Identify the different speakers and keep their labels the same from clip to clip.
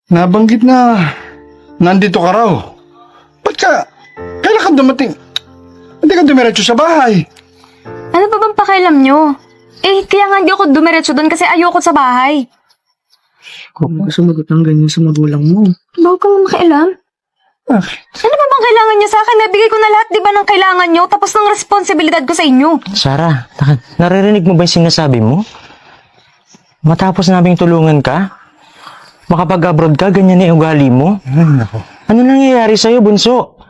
Speaker 1: nabanggit na nandito ka raw. Kailan ka dumating? Hindi ka dumiretso sa bahay.
Speaker 2: Ano ba bang pakialam nyo? Kaya nga hindi ako dumiretso doon kasi ayoko sa bahay.
Speaker 3: Huwag mo sumagot ng ganyan sa magulang mo.
Speaker 2: Bago kang makialam?
Speaker 1: Bakit?
Speaker 2: Ano ba bang kailangan nyo sa akin? Nabigay ko na lahat, di ba, ng kailangan nyo? Tapos ng responsibilidad ko sa inyo.
Speaker 3: Sarah, naririnig mo ba yung sinasabi mo? Matapos naming tulungan ka? Makapag-abroad ka, ganyan na yung ugali mo?
Speaker 1: Ay, nako.
Speaker 3: Ano nangyayari sa'yo, bunso?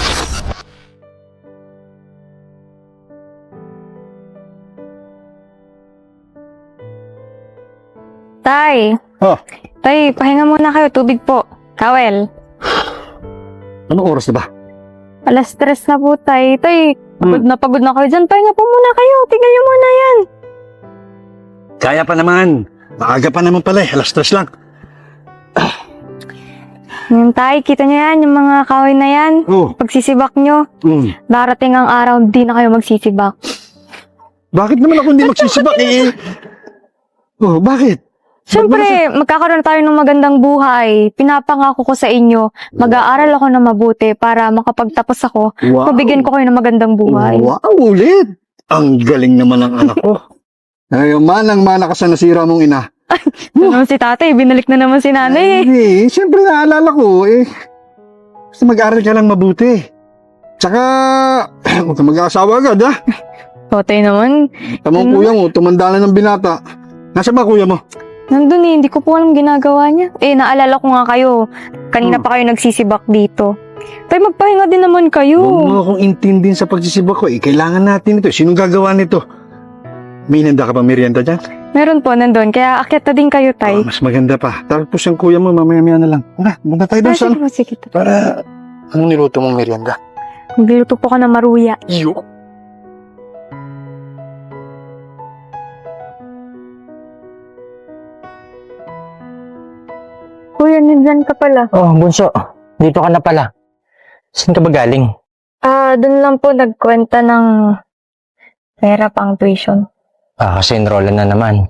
Speaker 2: Tay,
Speaker 1: Oh,
Speaker 2: tay, pahinga muna kayo. Tubig po. Towel.
Speaker 1: anong oras na ba?
Speaker 2: Alas 3 na po, tay. Tay, pagod na kayo dyan. Pahinga po muna kayo. Tingnan nyo muna yan.
Speaker 1: Kaya pa naman. Maaga pa naman pala eh. Alas 3 lang.
Speaker 2: Yan, tay. Kita nyo yan, yung mga kahoy na yan.
Speaker 1: Oh,
Speaker 2: Pagsisibak nyo, darating ang araw, di na kayo magsisibak.
Speaker 1: bakit naman ako hindi magsisibak eh? Oh, bakit?
Speaker 2: Siyempre, magkakaroon tayo ng magandang buhay. Pinapangako ko sa inyo, mag-aaral ako na mabuti para makapagtapos ako.
Speaker 1: Wow.
Speaker 2: Mabigyan ko kayo ng magandang buhay.
Speaker 1: Wow, ulit. Ang galing naman ng anak ko. Ay, manang-mana ka sa nasira mong ina.
Speaker 2: Ito naman si tatay, binalik na naman si nanay.
Speaker 1: Hindi, siyempre naalala ko eh. Basta mag-aaral ka lang mabuti. Tsaka, huwag ka mag-aasawa agad ha.
Speaker 2: Tatay naman,
Speaker 1: Tamang kuya mo, tumanda na ng binata. Nasaan ba kuya mo?
Speaker 2: nandun hindi ko po alam ginagawa niya. Naalala ko nga kayo, kanina pa kayo nagsisibak dito. Tay, magpahinga din naman kayo.
Speaker 1: Huwag mo akong intindihin sa pagsisibak ko eh. Kailangan natin ito. Sinong gagawa nito? May inanda ka pa merienda dyan?
Speaker 2: Meron po, nandun. Kaya akyat na din kayo, tay.
Speaker 1: Mas maganda pa. Tapos yung kuya mo, mamaya-maya na lang. Tara, punta tayo doon sa
Speaker 2: Sige po, sige.
Speaker 1: para, anong niluto mong merienda?
Speaker 2: Magluto po ka ng maruya.
Speaker 1: Iyo.
Speaker 2: Kuya, nandyan ka pala.
Speaker 3: Oh, bunso, dito ka na pala. Saan ka ba galing?
Speaker 2: Doon lang po nagkwenta ng pera pang tuition.
Speaker 3: Kasi enrollan na naman.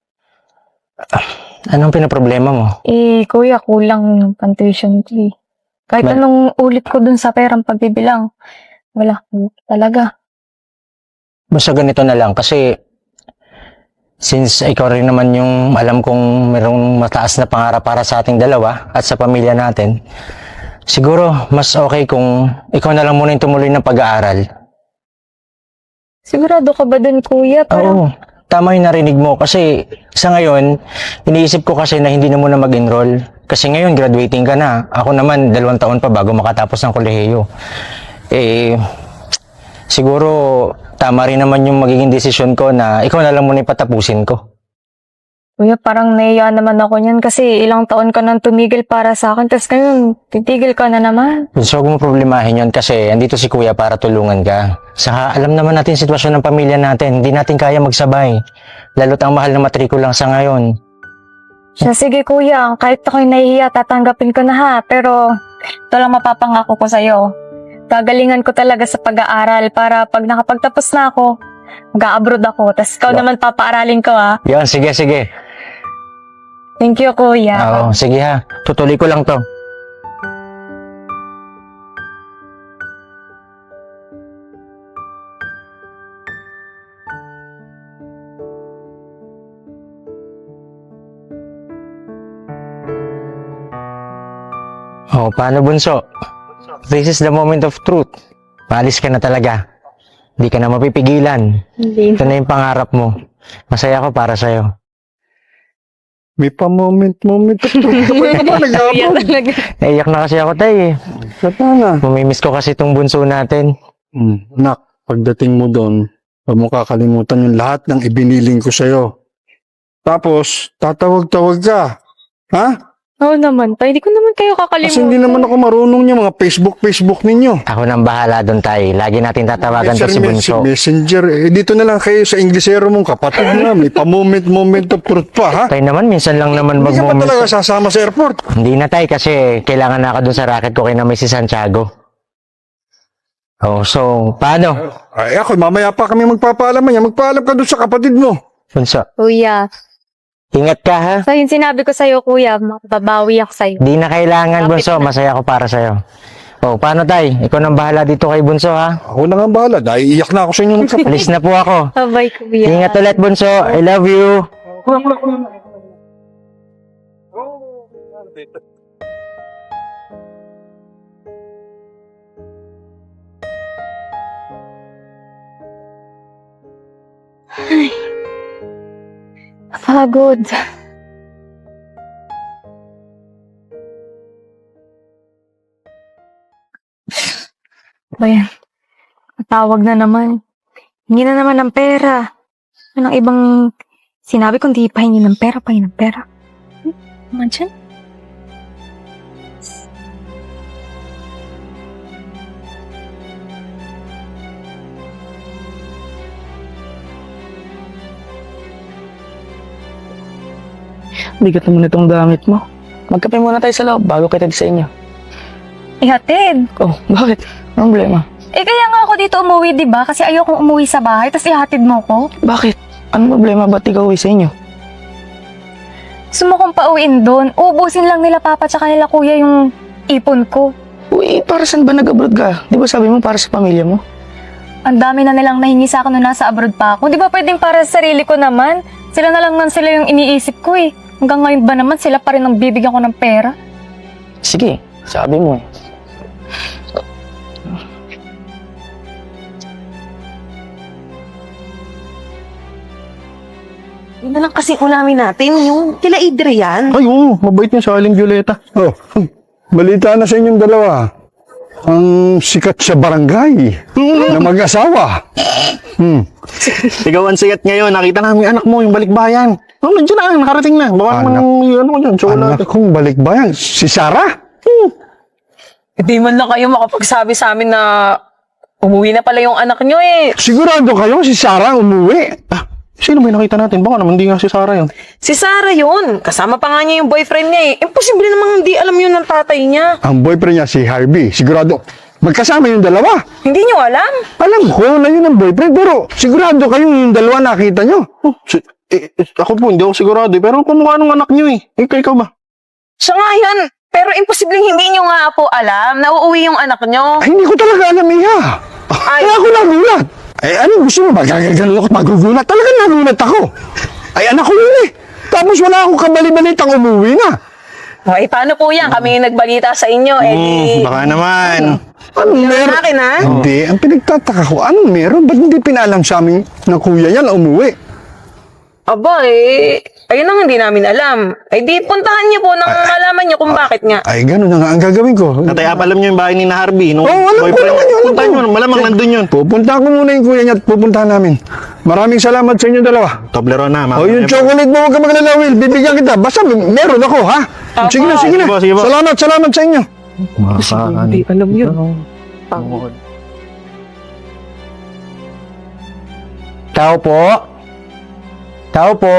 Speaker 3: Anong pinaproblema mo?
Speaker 2: Kuya, kulang yung pang tuition ko eh. Kahit anong ulit ko dun sa perang pagbibilang, wala ko talaga.
Speaker 3: Basta ganito na lang kasi since ikaw rin naman yung alam kong merong mataas na pangarap para sa ating dalawa at sa pamilya natin, siguro mas okay kung ikaw na lang muna yung tumuloy ng pag-aaral.
Speaker 2: Sigurado ka ba dun, kuya?
Speaker 3: Oo, tama yung narinig mo kasi sa ngayon, iniisip ko kasi na hindi na muna mag-enroll. Kasi ngayon, graduating ka na. Ako naman, 2 taon pa bago makatapos ng kolehiyo. Siguro, tama rin naman yung magiging desisyon ko na ikaw na lang muna ipatapusin ko.
Speaker 2: Kuya, parang naiya naman ako niyan kasi ilang taon ka nang tumigil para sa akin. Tapos ngayon, titigil ka na naman.
Speaker 3: So, huwag mo problemahin yun kasi andito si Kuya para tulungan ka. Saka, alam naman natin sitwasyon ng pamilya natin. Hindi natin kaya magsabay. Lalo't ang mahal ng matrikulang sa ngayon.
Speaker 2: Siya, sige kuya, kahit ako'y nahihiya, tatanggapin ko na ha. Pero, ito lang mapapangako ko sa'yo. Gagalingan ko talaga sa pag-aaral para pag nakapagtapos na ako, mag-a-abroad ako. Tapos ikaw naman papaaralin ko ha.
Speaker 3: Yan, sige, sige.
Speaker 2: Thank you kuya.
Speaker 3: Oo, sige ha. Tutuloy ko lang to. Oh, paano bunso? This is the moment of truth. Paalis ka na talaga. Hindi ka na mapipigilan.
Speaker 2: Hindi.
Speaker 3: Ito na yung pangarap mo. Masaya ako para sa'yo.
Speaker 1: May pa-moment. Kapag ka ba nag-aabot?
Speaker 2: talaga.
Speaker 3: Naiyak na kasi ako, tay.
Speaker 1: Katana.
Speaker 3: Mamimiss ko kasi itong bunso natin.
Speaker 1: Nak, pagdating mo doon, huwag mo kakalimutan yung lahat ng ibiniling ko sa'yo. Tapos, tatawag-tawag ka. Ha?
Speaker 2: Oo naman, tay. Hindi ko naman kayo kakalimutan.
Speaker 1: Kasi hindi naman ako marunong niya mga Facebook ninyo.
Speaker 3: Ako nang bahala doon, tay. Lagi natin tatawagan to si bunso.
Speaker 1: Messenger. Dito na lang kayo sa Inglesero mong kapatid na. May pa-moment of truth pa, ha?
Speaker 3: Tay naman, minsan lang naman
Speaker 1: Hindi ka ba
Speaker 3: mag-moment.
Speaker 1: talaga sasama sa airport?
Speaker 3: Hindi na, tay, kasi kailangan na ako doon sa racket ko kay na may si Santiago. Oh, so, paano?
Speaker 1: Ay, ako, mamaya pa kami magpapaalam niya. Magpaalam ka doon sa kapatid mo.
Speaker 3: Bunso,
Speaker 2: Kuya,
Speaker 3: Ingat ka ha.
Speaker 2: So, yung sinabi ko sa'yo, kuya, mababawi ako sa'yo.
Speaker 3: Di na kailangan, Bunso. Masaya ko para sa'yo. O, paano, Tay? Ikaw nang bahala dito kay Bunso, ha?
Speaker 1: Ako na nga bahala. Naiiyak na ako sa inyo.
Speaker 3: Alis na po ako.
Speaker 2: Bye, kuya.
Speaker 3: Ingat ulit, Bunso. I love you.
Speaker 2: Pagod. Ba yan? Matawag na naman. Hingi na naman ng pera. Anong ibang sinabi kong di pahingi ng pera, pahingi ng pera. Naman dyan?
Speaker 4: Bigat naman itong gamit mo. Magkape muna tayo sa loob bago kita sa inyo.
Speaker 2: Ihatid.
Speaker 4: Oh, bakit? Anong problema?
Speaker 2: Kaya nga ako dito umuwi, di ba? Kasi ayokong umuwi sa bahay, tapos ihatid mo ko.
Speaker 4: Bakit? Anong problema? Ba't ikaw uwi sa inyo?
Speaker 2: Gusto mo kong pauwiin doon. Ubusin lang nila papa tsaka nila kuya yung ipon ko.
Speaker 4: Uy, para saan ba nag-abroad ka? Di ba sabi mo para sa pamilya mo?
Speaker 2: Ang dami na nilang nahingi sa akin nung nasa abroad pa ako. Di ba pwedeng para sa sarili ko naman? Sila na lang man sila yung iniisip ko eh. Hanggang ngayon ba naman sila pa rin ang bibigyan ko ng pera?
Speaker 4: Sige, sabi mo eh.
Speaker 5: Yun na lang kasi ulamin natin, yung kila Adrian.
Speaker 1: Ay, oo. Mabait niya sa Aling Violeta. Oh, balita na sa inyong dalawa. Ang sikat sa barangay na mag-asawa.
Speaker 6: Ikaw ang sikat ngayon. Nakita namin yung anak mo, yung balikbayan. Oh, nandiyan na, nakarating na. Baka
Speaker 1: Anak.
Speaker 6: naman yung ano mo dyan, chocolate.
Speaker 1: Anak kong balikbayan. Si Sarah?
Speaker 5: Hindi man lang kayo makapagsabi sa amin na umuwi na pala yung anak nyo eh.
Speaker 1: Sigurado kayo si Sarah umuwi.
Speaker 6: Sino ba yung nakita natin? Baka naman hindi nga si Sarah yun.
Speaker 5: Si Sarah yun. Kasama pa nga niya yung boyfriend niya eh. Imposible namang hindi alam yun ng tatay niya.
Speaker 1: Ang boyfriend niya si Harvey. Sigurado. Magkasama yung dalawa.
Speaker 5: Hindi nyo alam?
Speaker 1: Alam ko na yun ang boyfriend. Pero sigurado kayo yung dalawa nakita nyo.
Speaker 6: Ako po, hindi ako sigurado. Pero kumukha nung anak niyo eh. Ikaw ba?
Speaker 5: Siya nga yan. Pero imposible hindi nyo nga po alam na uuwi yung anak nyo.
Speaker 1: Ay, hindi ko talaga alam, Iha.
Speaker 5: Ay.
Speaker 1: Kaya ako nagulat. Ay, ano gusto mo? Magagano ako at magugulat. Talagang nagulat ako. Ay, anak ko yun eh. Tapos wala akong kabali-balitang umuwi na.
Speaker 5: Ay, paano po yan? Kami yung nagbalita sa inyo. Eh, di...
Speaker 6: Baka naman.
Speaker 1: Anong
Speaker 5: Yun
Speaker 1: meron?
Speaker 5: ang akin, ha?
Speaker 1: Hindi. Ang pinagtataka ko, anong meron? Ba't hindi pinalam sa amin ng kuya yan na umuwi?
Speaker 5: Aba eh, ayun ang hindi namin alam. Ay di, puntahan niyo po nang malaman niyo kung bakit nga.
Speaker 1: Ay, gano'n na nga ang gagawin ko.
Speaker 6: Tatay, alam niyo yung bahay ni na Harvey. Nung
Speaker 1: Oo, alam ko naman yun.
Speaker 6: Puntahan nyo, malamang nandun yun.
Speaker 1: Pupunta ko muna yung kuya niya at pupuntahan namin. Maraming salamat sa inyo dalawa.
Speaker 6: Toblerone na,
Speaker 1: O, yung chocolate mo, huwag ka magalala, Will. Bibigyan kita. Basta meron ako, ha? Sige na, sige na.
Speaker 6: Sige po.
Speaker 1: Salamat sa inyo.
Speaker 5: Hindi alam yun.
Speaker 3: Tao po. Tao po.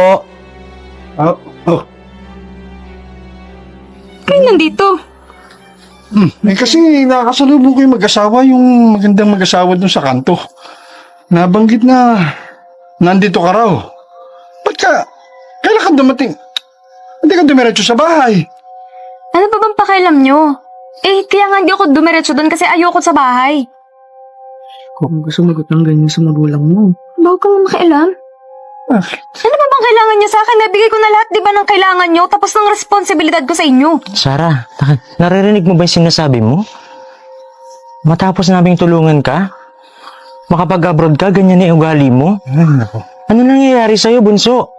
Speaker 2: Kayo nandito.
Speaker 1: Kasi nakakasalubong ko yung mag-asawa, yung magandang mag-asawa dun sa kanto. Nabanggit na nandito ka raw. Ba't kailan ka dumating? Hindi ka dumiretso sa bahay.
Speaker 2: Ano ba bang pakialam nyo? Kaya nga hindi ako dumiretso doon kasi ayoko sa bahay.
Speaker 4: Kung gusto magot ng ganyan sa magulang mo.
Speaker 2: Bago ka nga makialam.
Speaker 1: Bakit?
Speaker 2: Ano ba bang kailangan nyo sa akin? Nabigay ko na lahat, di ba, ng kailangan nyo? Tapos ng responsibilidad ko sa inyo.
Speaker 3: Sarah, naririnig mo ba yung sinasabi mo? Matapos naming tulungan ka? Makapag-abroad ka, ganyan na yung ugali mo?
Speaker 1: Ay, nako.
Speaker 3: Ano nangyayari sa'yo, Bunso?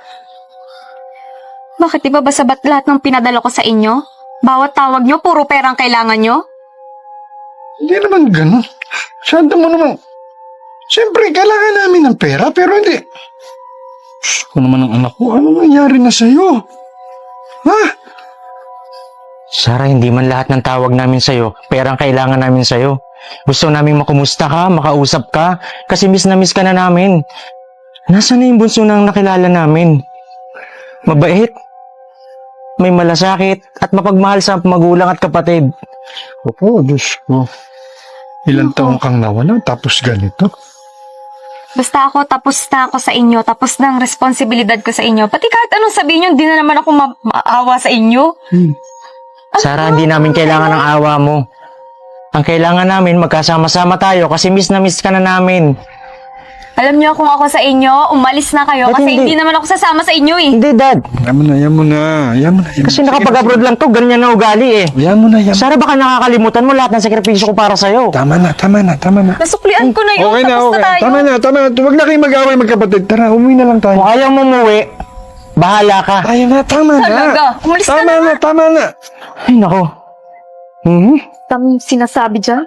Speaker 2: Bakit di ba sabat lahat ng pinadala ko sa inyo? Bawat tawag nyo, puro perang kailangan nyo?
Speaker 1: Hindi naman ganun. Siyempre mo naman. Siyempre, kailangan namin ng pera, pero hindi. Kung naman ang anak ko, ano nangyari na sa'yo? Ha?
Speaker 3: Sarah, hindi man lahat ng tawag namin sa'yo, perang kailangan namin sa'yo. Gusto namin makumusta ka, makausap ka, kasi miss na miss ka na namin. Nasaan na yung bunso nang nakilala namin? Mabait, may malasakit, at mapagmahal sa magulang at kapatid.
Speaker 1: Opo, Diyos ko. Ilang taong kang nawala, tapos ganito.
Speaker 2: Basta ako, tapos na ako sa inyo. Tapos na ang responsibilidad ko sa inyo. Pati kahit anong sabihin nyo, hindi na naman ako maawa sa inyo.
Speaker 3: Sarah, hindi namin kailangan ng awa mo. Ang kailangan namin, magkasama-sama tayo kasi miss na miss ka na namin.
Speaker 2: Alam niyo kung ako sa inyo, umalis na kayo
Speaker 3: Ba't
Speaker 2: kasi
Speaker 3: hindi?
Speaker 2: hindi naman ako sasama sa inyo eh.
Speaker 3: Hindi, Dad.
Speaker 1: Yan mo na, yan mo na. Yan mo na, yan mo
Speaker 3: Kasi
Speaker 1: na.
Speaker 3: nakapag-abroad lang to, ganyan na ugali eh.
Speaker 1: Yan mo na, yan mo.
Speaker 3: Sarah, baka nakakalimutan mo lahat ng sakripisyo ko para sa'yo.
Speaker 1: Tama na, tama na, tama na.
Speaker 2: Nasuklian ko na yun,
Speaker 1: Okay na,
Speaker 2: tapos
Speaker 1: okay.
Speaker 2: na tayo.
Speaker 1: Tama na, tama na. Huwag na kayong mag-away magkapatid. Tara, umuwi na lang tayo.
Speaker 3: Kung ayaw mo umuwi, bahala ka.
Speaker 1: Ayaw na, tama na.
Speaker 2: Talaga, umalis ka
Speaker 1: Tama na, tama na.
Speaker 3: Ay, nako.
Speaker 2: Tam sinasabi dyan?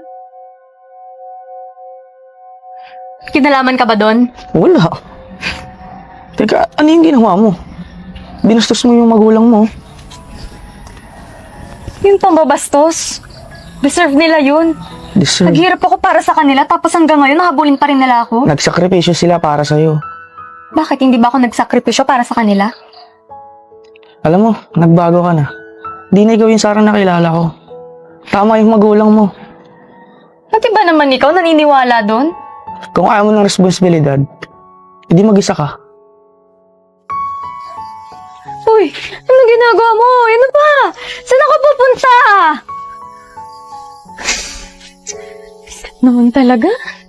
Speaker 2: Kinalaman ka ba doon?
Speaker 4: Wala. Teka, ano yung ginawa mo? Binastos mo yung magulang mo.
Speaker 2: Yung pambabastos. Deserve nila yun.
Speaker 4: Deserve.
Speaker 2: Naghirap ako para sa kanila tapos hanggang ngayon nahabulin pa rin nila ako.
Speaker 4: Nagsakripisyo sila para sa'yo.
Speaker 2: Bakit hindi ba ako nagsakripisyo para sa kanila?
Speaker 4: Alam mo, nagbago ka na. Di na ikaw yung Sarah na kilala ko. Tama yung magulang mo.
Speaker 2: Pati ba naman ikaw naniniwala doon?
Speaker 4: Kung ayaw mo ng responsibilidad, hindi mag-isa ka.
Speaker 2: Uy, ano ginagawa mo? Ano ba? Saan ako pupunta? Naman talaga?